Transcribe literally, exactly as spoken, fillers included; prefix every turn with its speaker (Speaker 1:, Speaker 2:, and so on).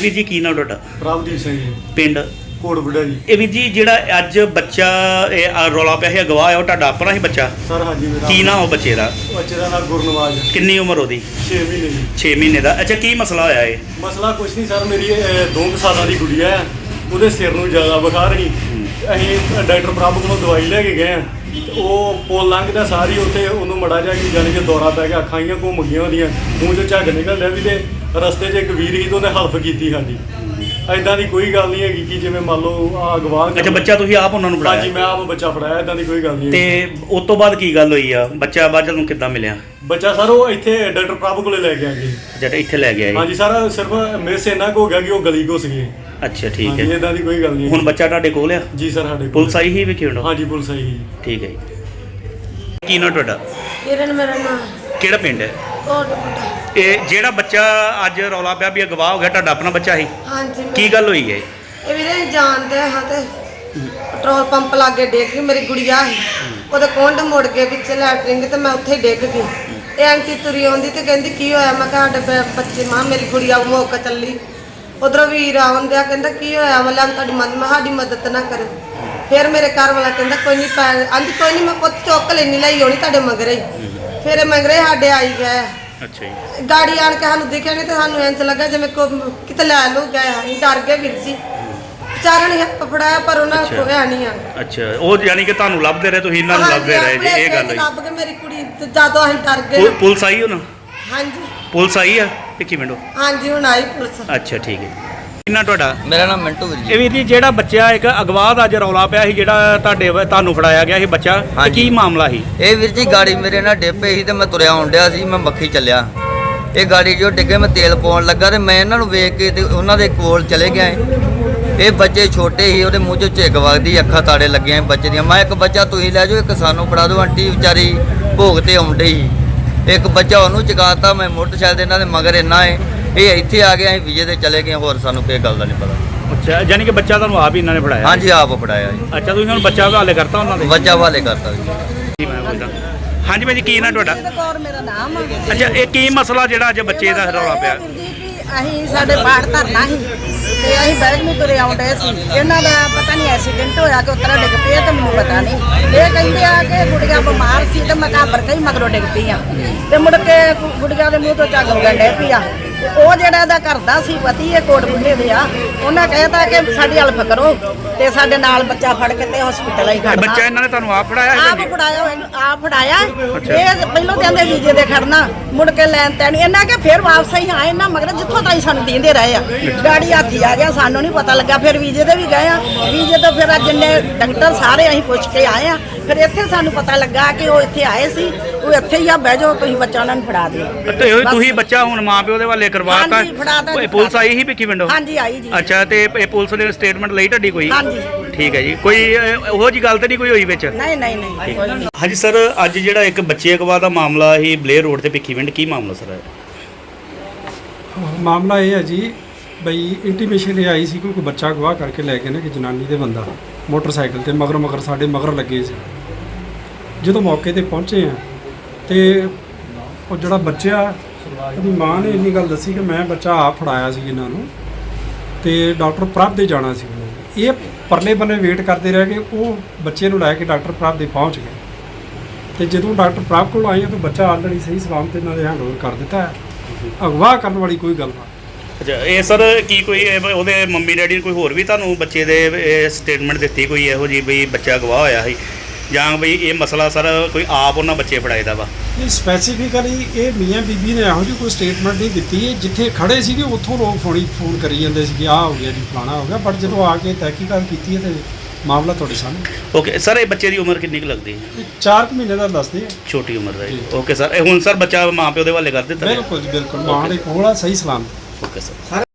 Speaker 1: ਵੀਰ ਜੀ ਕੀ ਨਾਮ ਤੁਹਾਡਾ?
Speaker 2: ਪ੍ਰਭਦੀਪ ਸਿੰਘ ਜੀ,
Speaker 1: ਪਿੰਡ
Speaker 2: ਕੋਟਬੁੱਢਾ ਜੀ।
Speaker 1: ਇਹ ਵੀਰ ਜੀ ਜਿਹੜਾ ਅੱਜ ਬੱਚਾ ਇਹ ਆ ਰੌਲਾ ਪਿਆ ਸੀ ਅਗਵਾ ਹੈ, ਉਹ ਤੁਹਾਡਾ ਆਪਣਾ ਹੀ ਬੱਚਾ?
Speaker 2: ਸਰ ਹਾਂਜੀ ਮੇਰਾ।
Speaker 1: ਕੀ ਨਾਮ ਉਹ ਬੱਚੇ ਦਾ?
Speaker 2: ਬੱਚੇ ਦਾ ਨਾਮ ਗੁਰਨਵਾਜ।
Speaker 1: ਕਿੰਨੀ ਉਮਰ ਉਹਦੀ?
Speaker 2: ਛੇ ਮਹੀਨੇ ਜੀ।
Speaker 1: ਛੇ ਮਹੀਨੇ ਦਾ। ਅੱਛਾ, ਕੀ ਮਸਲਾ ਹੋਇਆ ਇਹ?
Speaker 2: ਮਸਲਾ ਕੁਛ ਨਹੀਂ ਸਰ, ਮੇਰੀ ਇਹ ਦੋ ਕੁ ਸਾਲਾਂ ਦੀ ਗੁੜੀਆ ਹੈ, ਉਹਦੇ ਸਿਰ ਨੂੰ ਜ਼ਿਆਦਾ ਬੁਖਾਰ ਸੀ। ਅਸੀਂ ਡਾਕਟਰ ਪ੍ਰਭ ਕੋਲੋਂ ਦਵਾਈ ਲੈ ਕੇ ਗਏ ਹਾਂ, ਤੇ ਉਹ ਪੁੱਲ ਲੰਘਦਾ ਸਾਰੀ ਉੱਥੇ ਉਹਨੂੰ ਮੜਾ ਜਾ ਕਿ ਜਾਣੀ ਕਿ ਦੌਰਾ ਪੈ ਗਿਆ, ਅੱਖਾਂ ਹੀ ਘੁੰਮ ਗਈਆਂ ਉਹਦੀਆਂ, ਮੂੰਹ 'ਚੋਂ ਝੱਗ ਨਿਕਲ ਰਿਹਾ ਵੀ। ਤੇ ਰਸਤੇ 'ਚ ਇੱਕ ਵੀਰ ਸੀ ਤੇ ਉਹਨੇ ਹੈਲਪ ਕੀਤੀ ਸਾਡੀ। ਐਦਾਂ ਦੀ ਕੋਈ ਗੱਲ ਨਹੀਂ ਹੈਗੀ ਕਿ ਜਿਵੇਂ ਮੰਨ ਲਓ ਆ ਅਗਵਾ।
Speaker 1: ਅੱਛਾ, ਬੱਚਾ ਤੁਸੀਂ ਆਪ ਉਹਨਾਂ ਨੂੰ ਫੜਾਇਆ?
Speaker 2: ਹਾਂਜੀ, ਮੈਂ ਆਪ ਬੱਚਾ ਫੜਾਇਆ, ਐਦਾਂ ਦੀ ਕੋਈ ਗੱਲ ਨਹੀਂ।
Speaker 1: ਤੇ ਉਸ ਤੋਂ ਬਾਅਦ ਕੀ ਗੱਲ ਹੋਈ ਆ? ਬੱਚਾ ਬਾਅਦ ਨੂੰ ਕਿੱਦਾਂ ਮਿਲਿਆ?
Speaker 2: ਬੱਚਾ ਸਰ ਉਹ ਇੱਥੇ ਡਾਕਟਰ ਪ੍ਰਭ ਕੋਲੇ ਲੈ ਕੇ ਆ ਗਏ।
Speaker 1: ਅੱਛਾ, ਇੱਥੇ ਲੈ ਗਿਆ ਇਹ?
Speaker 2: ਹਾਂਜੀ ਸਰ, ਸਿਰਫ ਮਿਸ ਇੰਨਾ ਕੁ ਹੋ ਗਿਆ ਕਿ ਉਹ ਗਲੀ ਘੁਸ ਗਏ।
Speaker 1: ਅੱਛਾ, ਠੀਕ ਹੈ।
Speaker 2: ਇਦਾਂ ਦੀ ਕੋਈ ਗੱਲ ਨਹੀਂ।
Speaker 1: ਹੁਣ ਬੱਚਾ ਤੁਹਾਡੇ ਕੋਲ ਆ?
Speaker 2: ਜੀ ਸਰ, ਸਾਡੇ ਕੋਲ।
Speaker 1: ਪੁਲਿਸ ਆਈ ਹੀ ਵੇਖਿਓ?
Speaker 2: ਹਾਂਜੀ, ਪੁਲਿਸ ਆਈ ਸੀ।
Speaker 1: ਠੀਕ ਹੈ ਜੀ। ਕੀ ਨਾਮ ਤੁਹਾਡਾ?
Speaker 3: ਕਿਰਨ ਮੇਰਾ ਨਾਮ।
Speaker 1: ਕਿਹੜਾ ਪਿੰਡ ਹੈ?
Speaker 3: ਕੋਟਬੁੱਢਾ।
Speaker 1: ਇਹ ਜਿਹੜਾ ਬੱਚਾ ਅੱਜ ਰੌਲਾ ਪਿਆ ਵੀ ਅਗਵਾ ਹੋ ਗਿਆ, ਤੁਹਾਡਾ ਆਪਣਾ ਬੱਚਾ ਸੀ?
Speaker 3: ਹਾਂਜੀ।
Speaker 1: ਕੀ ਗੱਲ ਹੋਈ ਹੈ?
Speaker 3: ਇਹ ਵੀਰੇ ਜਾਣਦੇ ਹਾਂ ਤੇ ਪੈਟਰੋਲ ਪੰਪ ਲਾਗੇ ਡਿੱਗ ਗਈ ਮੇਰੀ ਗੁੜੀਆ ਸੀ, ਉਹਦੇ ਕੁੰਡ ਮੁੜ ਗਏ ਪਿੱਛੇ ਲੈਟਰਿੰਗ ਤੇ ਮੈਂ ਉੱਥੇ ਹੀ ਡਿੱਗ ਗਈ। ਇਹ ਆਂਟੀ ਤੁਰੀ ਆਉਂਦੀ ਤੇ ਕਹਿੰਦੀ ਕੀ ਹੋਇਆ? ਮੈਂ ਕਿਹਾ ਸਾਡੇ ਬ- ਬੱਚੇ ਮਾਂ ਮੇਰੀ ਗੁੜੀਆ ਮੁੱਕ ਚੱਲੀ। ਉਧਰੋਂ ਵੀਰ ਆਉਂਦਿਆ ਕਹਿੰਦਾ ਕੀ ਹੋਇਆ? ਮਤਲਬ ਤੁਹਾਡੀ ਮਦਦ ਮੈਂ ਸਾਡੀ ਮਦਦ ਨਾ ਕਰੇ। ਫਿਰ ਮੇਰੇ ਘਰ ਵਾਲਾ ਕਹਿੰਦਾ ਕੋਈ ਨਹੀਂ ਪੈ ਆਂਦੀ ਕੋਈ ਨਹੀਂ ਮੈਂ ਪੁੱਤ ਚੁੱਕ ਲੈਣੀ ਲਈ ਆਉਣੀ ਤੁਹਾਡੇ ਮਗਰੇ ਹੀ। ਫਿਰ ਇਹ ਮਗਰੇ ਸਾਡੇ ਆਈ ਗਏ।
Speaker 1: ਅੱਛਾ ਜੀ।
Speaker 3: ਗਾੜੀ ਆਣ ਕੇ ਸਾਨੂੰ ਦਿਖਿਆ ਨਹੀਂ ਤੇ ਸਾਨੂੰ ਇੰਝ ਲੱਗਾ ਜਿਵੇਂ ਕੋ ਕਿਤੇ ਲੈ ਲੂ ਗਏ। ਅਸੀਂ ਡਰ ਗਏ ਵੀਰ ਜੀ। ਵਿਚਾਰਾ ਨੇ ਹੱਥ ਫੜਾਇਆ ਪਰ ਉਹਨਾਂ ਖੋਇਆ ਨਹੀਂ ਆ।
Speaker 1: ਅੱਛਾ, ਉਹ ਯਾਨੀ ਕਿ ਤੁਹਾਨੂੰ ਲੱਭਦੇ ਰਹੇ, ਤੁਸੀਂ ਇਹਨਾਂ ਨੂੰ ਲੱਭਦੇ ਰਹੇ ਜੀ? ਇਹ ਗੱਲ ਹੋਈ?
Speaker 3: ਲੱਭ ਕੇ ਮੇਰੀ ਕੁੜੀ ਤੇ ਜਦੋਂ ਅਸੀਂ ਡਰ ਗਏ।
Speaker 1: ਪੁ- ਪੁਲਿਸ ਆਈ ਹੁਣ?
Speaker 3: ਹਾਂਜੀ,
Speaker 1: ਪੁਲਿਸ ਆਈ ਆ? ਇੱਕ ਮਿੰਟ।
Speaker 3: ਹਾਂਜੀ ਹੁਣ ਆਈ ਪੁਲਿਸ।
Speaker 1: ਅੱਛਾ, ਠੀਕ ਹੈ। ਕਿੰਨਾ ਤੁਹਾਡਾ?
Speaker 4: ਮੇਰਾ ਨਾਮ ਮਿੰਟੂ ਵੀਰ ਜੀ।
Speaker 1: ਇਹ ਵੀਰ ਜੀ ਜਿਹੜਾ ਬੱਚਾ ਇੱਕ ਅਗਵਾ ਦਾ ਅੱਜ ਰੌਲਾ ਪਿਆ ਸੀ, ਜਿਹੜਾ ਤੁਹਾਡੇ ਵ- ਤੁਹਾਨੂੰ ਫੜਾਇਆ ਗਿਆ ਸੀ ਬੱਚਾ, ਇਹ
Speaker 4: ਹਾਂਜੀ।
Speaker 1: ਕੀ ਮਾਮਲਾ ਸੀ?
Speaker 4: ਇਹ ਵੀਰ ਜੀ ਗਾੜੀ ਮੇਰੇ ਨਾਲ ਡਿੱਪੇ ਸੀ ਤੇ ਮੈਂ ਤੁਰਿਆ ਆਉਣ ਡਿਆ ਸੀ, ਮੈਂ ਮੱਖੀ ਚੱਲਿਆ। ਇਹ ਗਾੜੀ ਜੋ ਡਿੱਗੇ ਮੈਂ ਤੇਲ ਪਾਉਣ ਲੱਗਾ ਤੇ ਮੈਂ ਇਹਨਾਂ ਨੂੰ ਵੇਖ ਕੇ ਤੇ ਉਹਨਾਂ ਦੇ ਕੋਲ ਚਲੇ ਗਿਆ। ਇਹ ਬੱਚੇ ਛੋਟੇ ਸੀ, ਉਹਦੇ ਮੂੰਹ 'ਚੋਂ ਝਿੱਗ ਵਗਦੀ, ਅੱਖਾਂ ਤਾੜੇ ਲੱਗੀਆਂ ਬੱਚੇ ਦੀਆਂ। ਮੈਂ ਇੱਕ ਬੱਚਾ ਤੁਸੀਂ ਲੈ ਜਾਓ, ਇੱਕ ਸਾਨੂੰ ਫੜਾ ਦਿਓ। ਆਂਟੀ ਵਿਚਾਰੀ ਭੋਗ ਤੇ ਆਉਂਦੇ ਸੀ, ਇੱਕ ਬੱਚਾ ਉਹਨੂੰ ਚਕਾਤਾ। ਮੈਂ ਮੋਟਰਸਾਈਕਲ ਦੇ ਇਹਨਾਂ ਦੇ ਮਗਰ ਇੰਨਾ ਏ, ਇਹ ਇੱਥੇ ਆ ਗਿਆ, ਅਸੀਂ ਵਿਜੇ ਤੇ ਚਲੇ ਗਏ। ਹੋਰ ਸਾਨੂੰ ਕੋਈ ਗੱਲ ਦਾ ਨਹੀਂ ਪਤਾ।
Speaker 1: ਅੱਛਾ, ਯਾਨੀ ਕਿ ਬੱਚਾ ਤੁਹਾਨੂੰ ਆਪ ਹੀ ਇਹਨਾਂ ਨੇ ਫੜਾਇਆ?
Speaker 4: ਹਾਂਜੀ, ਆਪ ਫੜਾਇਆ ਜੀ।
Speaker 1: ਅੱਛਾ, ਤੁਸੀਂ ਹੁਣ ਬੱਚਾ ਹਵਾਲੇ ਕਰਤਾ ਉਹਨਾਂ ਦੇ?
Speaker 4: ਬੱਚਾ ਹਵਾਲੇ ਕਰਤਾ ਜੀ।
Speaker 1: ਜੀ, ਮੈਂ ਪੁੱਛਦਾ। ਹਾਂਜੀ ਭਾਈ ਜੀ, ਕੀ ਨਾ ਤੁਹਾਡਾ?
Speaker 5: ਕੌਰ ਮੇਰਾ ਨਾਮ ਆ।
Speaker 1: ਅੱਛਾ, ਇਹ ਕੀ ਮਸਲਾ ਜਿਹੜਾ ਅੱਜ ਬੱਚੇ ਦਾ ਰੌਲਾ ਪਿਆ?
Speaker 5: ਅਸੀਂ ਸਾਡੇ ਬਾੜ ਧਰਨਾ ਸੀ ਤੇ ਅਸੀਂ ਬੈਗ ਨੂੰ ਤੁਰੇ ਆਉਂਦੇ ਸੀ। ਇਹਨਾਂ ਦਾ ਪਤਾ ਨਹੀਂ ਐਕਸੀਡੈਂਟ ਹੋਇਆ ਕਿ ਉਤਰਾ ਡਿੱਗ ਪਿਆ ਤੇ ਮੈਨੂੰ ਪਤਾ ਨਹੀਂ। ਇਹ ਕਹਿੰਦੇ ਆ ਕਿ ਗੁੜੀਆ ਬਿਮਾਰ ਸੀ ਤੇ ਮੈਂ ਘਾਬਰ ਕੇ ਹੀ ਮਗਰੋਂ ਡਿੱਗ ਪਈ ਆ ਤੇ ਮੁੜ ਕੇ ਗੁੜੀਆ ਦੇ ਮੂੰਹ ਤੋਂ ਝੱਗ ਵਗਣ ਡਿੱਗ ਪਈ ਆ। ਉਹ ਜਿਹੜਾ ਇਹਦਾ ਕਰਦਾ ਸੀ ਪਤੀ, ਇਹ ਕੋਟਬੁੱਢੇ ਦੇ ਆ, ਉਹਨਾਂ ਕਹਿਤਾ ਕਿ ਸਾਡੀ ਹੈਲਪ ਕਰੋ ਤੇ ਸਾਡੇ ਨਾਲ ਬੱਚਾ ਫੜ ਕੇ ਤੇ ਹਸਪੀਟਲ ਹੀ ਖੜਨਾ।
Speaker 1: ਬੱਚਾ ਇਹਨਾਂ ਨੇ ਤੁਹਾਨੂੰ ਆਪ ਫੜਾਇਆ?
Speaker 5: ਆਪ ਫੜਾਇਆ ਹੋਇਆ, ਆਪ ਫੜਾਇਆ। ਇਹ ਪਹਿਲੋਂ ਕਹਿੰਦੇ ਵੀਜ਼ੇ ਦੇ ਖੜਨਾ, ਮੁੜ ਕੇ ਲੈਣ ਤੈਨ ਇਹਨਾਂ ਕੇ ਫਿਰ ਵਾਪਸ ਹੀ ਆਏ ਨਾ ਮਗਰ ਜਿੱਥੋਂ ਤਾਈ ਸਾਨੂੰ ਦਿੰਦੇ ਰਹੇ ਆ। ਗਾੜੀ ਹਾਥੀ ਆ ਗਿਆ, ਸਾਨੂੰ ਨਹੀਂ ਪਤਾ ਲੱਗਾ। ਫਿਰ ਵੀਜ਼ੇ ਦੇ ਵੀ ਗਏ ਆ, ਵੀਜ਼ੇ ਤੋਂ ਫਿਰ ਅੱਜ ਜਿੰਨੇ ਡਾਕਟਰ ਸਾਰੇ ਅਸੀਂ ਪੁੱਛ ਕੇ ਆਏ ਆ। ਫਿਰ ਇੱਥੇ ਸਾਨੂੰ ਪਤਾ ਲੱਗਾ ਕਿ ਉਹ ਇੱਥੇ ਆਏ ਸੀ, ਉਹ ਇੱਥੇ ਹੀ ਆ, ਬਹਿ ਜਾਓ ਤੁਸੀਂ ਬੱਚਾ ਉਹਨਾਂ ਨੂੰ ਫੜਾ ਦਿਓ।
Speaker 1: ਤੇ ਉਹ ਤੁਸੀਂ ਬੱਚਾ ਹੁਣ ਮਾਂ ਪਿਓ ਦੇ ਵਾਲੇ ਕਰਵਾਤਾ?
Speaker 5: ਹਾਂਜੀ, ਫੜਾਤਾ।
Speaker 1: ਇਹ ਪੁਲਿਸ ਆਈ ਸੀ ਭਿੱਖੀ ਪਿੰਡੋਂ?
Speaker 5: ਹਾਂਜੀ, ਆਈ ਜੀ।
Speaker 1: ਅੱਛਾ, ਤੇ ਇਹ ਪੁਲਿਸ ਨੇ ਸਟੇਟਮੈਂਟ ਲਈ ਤੁਹਾਡੀ ਕੋਈ?
Speaker 5: ਹਾਂਜੀ।
Speaker 1: ਠੀਕ ਹੈ ਜੀ। ਕੋਈ ਅਹ, ਉਹੋ ਜੀ ਗੱਲ ਤਾਂ ਨਹੀਂ ਕੋਈ ਹੋਈ ਵਿੱਚ?
Speaker 5: ਨਹੀਂ ਨਹੀਂ ਨਹੀਂ ਕੋਈ ਨਹੀਂ।
Speaker 1: ਹਾਂਜੀ ਸਰ, ਅੱਜ ਜਿਹੜਾ ਇੱਕ ਬੱਚੇ ਅਗਵਾ ਦਾ ਮਾਮਲਾ ਸੀ ਬਲੇਅਰ ਰੋਡ ਤੇ ਭਿੱਖੀ ਪਿੰਡ, ਕੀ ਮਾਮਲਾ ਸਰ?
Speaker 6: ਮਾਮਲਾ ਇਹ ਹੈ ਜੀ ਬਈ ਇੰਟੀਮੇਸ਼ਨ ਇਹ ਆਈ ਸੀ ਕਿ ਕੋਈ ਬੱਚਾ ਅਗਵਾ ਕਰਕੇ ਲੈ ਕੇ ਨਾ ਕਿ ਜਨਾਨੀ ਦੇ ਬੰਦਾ ਮੋਟਰਸਾਈਕਲ ਤੇ ਮਗਰ ਮਗਰ ਸਾਡੇ ਮਗਰ ਲੱਗੇ ਸੀ। ਜਦੋਂ ਮੌਕੇ ਤੇ ਪਹੁੰਚੇ ਆ ਤੇ ਉਹ ਜਿਹੜਾ ਬੱਚਾ, ਉਹਦੀ ਮਾਂ ਨੇ ਇੰਨੀ ਗੱਲ ਦੱਸੀ ਕਿ ਮੈਂ ਬੱਚਾ ਆਪ ਫੜਾਇਆ ਸੀ ਇਹਨਾਂ ਨੂੰ ਤੇ ਡਾਕਟਰ ਪ੍ਰਭ ਦੇ ਜਾਣਾ ਸੀ। ਇਹ ਪਰਲੇ ਬੰਨੇ ਵੇਟ ਕਰਦੇ ਰਹੇ ਕਿ ਉਹ ਬੱਚੇ ਨੂੰ ਲੈ ਕੇ ਡਾਕਟਰ ਪ੍ਰਭ ਦੇ ਪਹੁੰਚ ਗਏ ਤੇ ਜਦੋਂ ਡਾਕਟਰ ਪ੍ਰਭ ਕੋਲ ਆਏ ਤਾਂ ਬੱਚਾ ਆਲਰੇਡੀ ਸਹੀ ਸਲਾਮਤ ਇਹਨਾਂ ਦੇ ਹੈਂਡਓਵਰ ਕਰ ਦਿੱਤਾ ਹੈ। ਅਗਵਾ ਕਰਨ ਵਾਲੀ ਕੋਈ ਗੱਲ ਨਹੀਂ।
Speaker 1: ਅੱਛਾ, ਇਹ ਸਰ ਕੀ ਕੋਈ ਇਹ ਉਹਦੇ ਮੰਮੀ ਡੈਡੀ ਨੇ ਕੋਈ ਹੋਰ ਵੀ ਤੁਹਾਨੂੰ ਬੱਚੇ ਦੇ ਸਟੇਟਮੈਂਟ ਦਿੱਤੀ ਕੋਈ ਇਹੋ ਜੀ ਬਈ ਬੱਚਾ ਅਗਵਾ ਹੋਇਆ ਸੀ, ਜਾਂ ਬਈ ਇਹ ਮਸਲਾ ਸਰ ਕੋਈ ਆਪ ਉਹਨਾਂ ਬੱਚੇ ਫੜਾਏ ਦਾ ਵਾ?
Speaker 6: ਨਹੀਂ, ਸਪੈਸੀਫਿਕਲੀ ਇਹ ਮੀਆਂ ਬੀਬੀ ਨੇ ਇਹੋ ਜਿਹੀ ਕੋਈ ਸਟੇਟਮੈਂਟ ਨਹੀਂ ਦਿੱਤੀ ਹੈ। ਜਿੱਥੇ ਖੜੇ ਸੀਗੇ ਉੱਥੋਂ ਲੋਕ ਫੋਨੀ ਫੋਨ ਕਰੀ ਜਾਂਦੇ ਸੀ ਕਿ ਆਹ ਹੋ ਗਿਆ ਜੀ, ਫਲਾਣਾ ਹੋ ਗਿਆ। ਬਟ ਜਦੋਂ ਆ ਕੇ ਤਹਿਕੀਕਾਤ ਕੀਤੀ ਹੈ ਤੇ ਮਾਮਲਾ ਤੁਹਾਡੇ ਸਾਹਮਣੇ।
Speaker 1: ਓਕੇ ਸਰ, ਇਹ ਬੱਚੇ ਦੀ ਉਮਰ ਕਿੰਨੀ ਕੁ ਲੱਗਦੀ ਹੈ?
Speaker 6: ਇਹ ਚਾਰ ਕੁ ਮਹੀਨੇ ਦਾ ਦੱਸਦੇ ਆ।
Speaker 1: ਛੋਟੀ ਉਮਰ ਦਾ ਜੀ। ਓਕੇ ਸਰ, ਇਹ ਹੁਣ ਸਰ ਬੱਚਾ ਮਾਂ ਪਿਓ ਦੇ ਹਵਾਲੇ ਕਰ ਦਿੱਤਾ?
Speaker 6: ਬਿਲਕੁਲ ਜੀ, ਬਿਲਕੁਲ ਮਾਂ ਦੇ ਕੋਲ ਆ, ਸਹੀ ਸਲਾਮਤ।
Speaker 1: Okay sir.